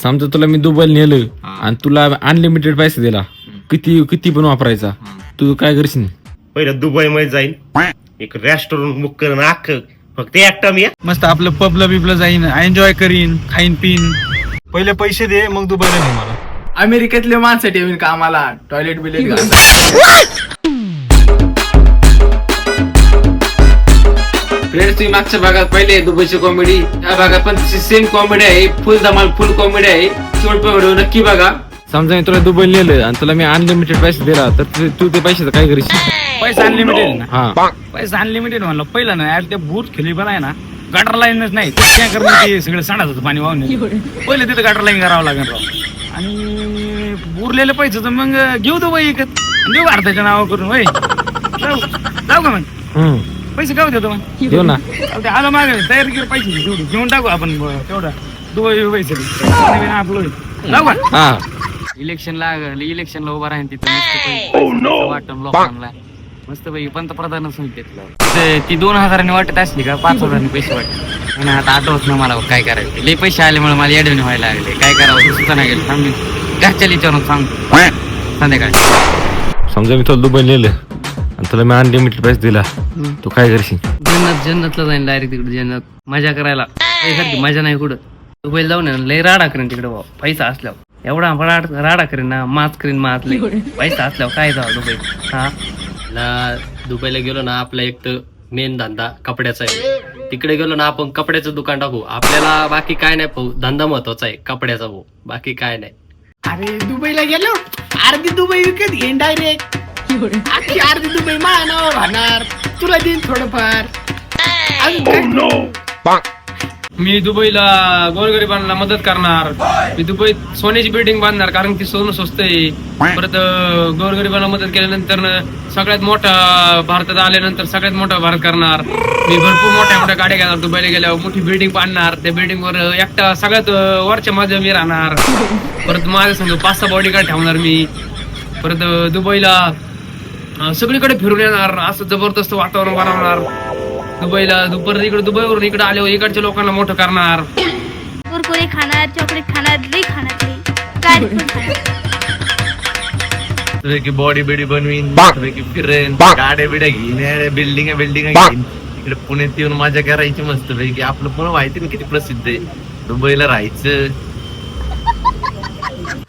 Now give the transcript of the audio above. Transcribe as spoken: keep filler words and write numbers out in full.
समजा तुला मी दुबईला नेलं आणि तुला अनलिमिटेड पैसे दिला, किती किती पण वापरायचा, तू काय करशील? पहिलं दुबई मध्ये जाईन, एक रेस्टॉरंट बुक करून अख्खं फक्त एकटा मी मस्त आपलं पबला बिबला जाईन, एन्जॉय करीन, खाईन पिन. पहिले पैसे दे मग दुबईला ने मला. अमेरिकेतले माणसं ठेवीन कामाला, टॉयलेट बिलेट फ्रेंड्स, तुम्ही मागच्या भागात पहिले दुबईची कॉमेडी, या भागात पण सेम कॉमेडी आहे, फुल धमाल फुल कॉमेडी आहे. शेवट व्हिडिओ नक्की बघा. समजा मी तुला दुबईला नेलं आणि तुला मी अनलिमिटेड पैसे दिला, तर तू- तू ते पैशाचं काय करशील? पैसा अनलिमिटेड ना, हा पैसा अनलिमिटेड म्हणलं पहिलं ना यार, ते बूट खेळी पण आहे ना, गटर लाईनच नाही ते काय करणं, ते सगळं सांडत होतं पाणी वाहून. पहिले तिथे गटर लाईन करावं लागेल राव. आणि उरलेले पैसे तर मग घेऊ दुबई एकत, देऊ भारताच्या नावा करून. होय जाऊ जाऊ का मग, हम्म पैसे गाव देतो मग, देऊ ना. ते आलं मागे तयारी केली पैसे तेवढी घेऊन टाकू आपण तेवढा दुबई पैसे आपलं. जाऊ का? हा इलेक्शन लागलं, इलेक्शनला उभा राहीन तिथं वाटून लोकांना मस्त पैकी पंतप्रधानच होईल तिथलं. ती दोन हजारांनी वाटत असली का पाच हजारांनी पैसे वाटत, आणि आता आठवत ना मला काय करायचं. लई पैसे आल्यामुळे मला येडवणी व्हायला लागले, काय करावं सुचना गेलं. सांगू घरच्या विचारून सांगतो संध्याकाळी. समजा मी तुला दुबईला नेलं आणि तुला मी अनलिमिटेड पैसे दिला, तू काय करशील? जन्नत जन्नतला जाईन डायरेक्ट तिकडे, जन्नत मजा करायला. सारखी मजा नाही कुठं. दुबईला जाऊन आहे ना, लय राडा करेन तिकडे भाऊ, पैसा असल्यावर एवढा राड राडा करेन ना, माच करीन माच. लय पैसा असल्यावर काय जावं दुबई. हा ना दुबईला गेलो ना, आपला एक तर मेन धंदा कपड्याचा आहे. तिकडे गेलो ना आपण कपड्याचं दुकान टाकू, आपल्याला बाकी काय नाही भाऊ, धंदा महत्वाचा आहे कपड्याचा भाऊ, बाकी काय नाही. अरे दुबईला गेलो, अर्धी दुबई विकत घेईन डायरेक्ट, अख्खी अर्धी दुबई माझ्या नावावर राहणार, तुला देईन थोडंफार. अजून काय? मी दुबईला गोरगरिबांना मदत करणार. मी दुबईत सोन्याची बिल्डिंग बांधणार, कारण की सोनं स्वस्त आहे. परत गोरगरिबांना मदत केल्यानंतर सगळ्यात मोठा भारतात आल्यानंतर सगळ्यात मोठा भारत करणार. मी भरपूर मोठ्या मोठ्या गाड्या घेणार, दुबईला गेल्यावर मोठी बिल्डिंग बांधणार, त्या बिल्डिंग वर एकटा सगळ्यात वरच्या माझ्या मी राहणार. परत माझ्या समजा पाच सहा बॉडीगार्ड ठेवणार मी. परत दुबईला सगळीकडे फिरून येणार, असं जबरदस्त वातावरण बनवणार दुबईला. दुपारी इकडे दुबईवरून इकडे आल्यावर इकडच्या लोकांना मोठं करणार. कुरकुरे खाणार, चॉकलेट खाणार, लई खाणार, लई गाडी पण खाणार. बॉडी बिडी बनवीन, फिरेन, गाड्या बिड्या घेईन, बिल्डिंग बिल्डिंग घेईन. इकडे पुण्यात येऊन मजा करायची मस्त पैकी. आपलं पण माहिती ना किती प्रसिद्ध आहे, दुबईला राहायचं,